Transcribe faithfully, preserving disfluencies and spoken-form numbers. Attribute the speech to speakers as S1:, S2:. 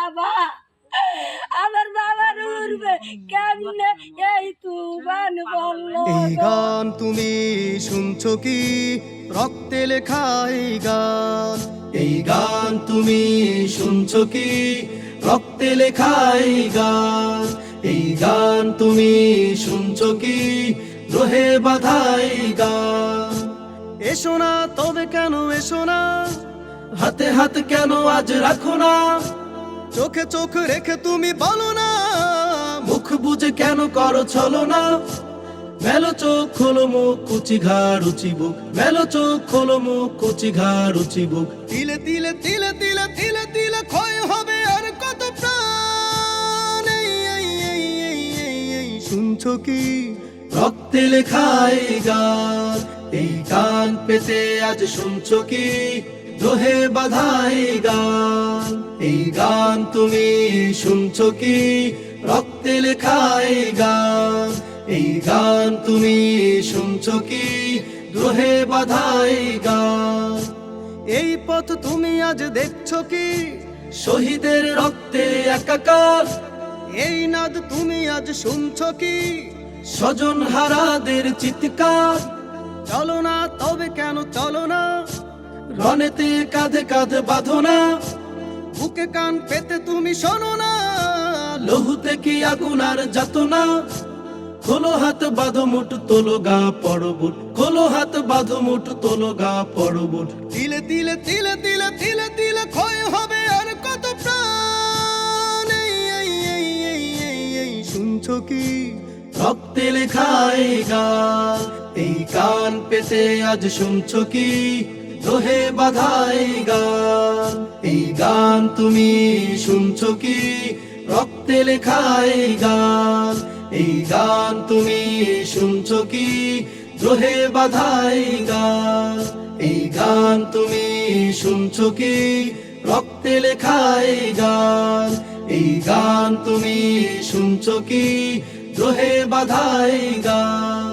S1: বাবা আমার বাবার উড়বে কেমনে এই তুফান বলল
S2: এই গান তুমি শুনছো কি রক্তে লেখা এই গান এই গান তুমি শুনছো কি রক্তে লেখা এই গান এই গান তুমি শুনছো কি রোহে বাঁধা এই গান এসো না তবে কেন এসো না হাতে হাত কেন আজ রাখো না চোখে চোখ রেখে তুমি বলো না মুখ বুঝে কেন করো ছলো না মেলো চোখ খোলো মুখ কুচি ঘাড় রুচি বুক মেলো চোখ খোলো মুখ কুচি ঘাড় রুচি বুক তিলে তিলে তিলে তিলে তিলে তিলে ক্ষয় হবে আর কত প্রাণ এই এই এই এই এই এই শুনছো কি রক্তে লেখা এই গান এই গান পেতে আজ শুনছো কি দোহে বাঁধা এই গান এই গান তুমি শুনছো কি রক্তে লেখা এই গান এই গান তুমি শুনছো কি দোহে বাঁধা এই গান এই পথ তুমি আজ দেখছো কি শহীদের রক্তে একাকার এই নাদ তুমি আজ শুনছো কি স্বজন হারাদের চিৎকার চলো না তবে কেন চলো না রনেতে কাঁধে কাঁধে বাঁধো না বুকে কান পেতে তুমি শোনো না লহুতে কি আগুন আর যাতো না খোলো হাত বাঁধো মুঠ তোলো গা পড়বুট খোলো হাত বাঁধো মুঠ তোলো গা পড়বুট তিলে তিলে তিলে তিলে তিলে তিলে ক্ষয় হবে আর কত প্রাণ এই এই এই এই এই এই শুনছো কি রক্তে লেখা এই গান এই গান পেতে আজ শুনছো কি দোহে বাঁধা এই গান এই গান তুমি শুনছো কি রক্তে লেখা এই গান এই গান তুমি শুনছো কি দোহে বাঁধা এই গান এই গান তুমি শুনছো কি রক্তে লেখা এই গান এই গান তুমি শুনছো কি দোহে বাঁধা এই গান।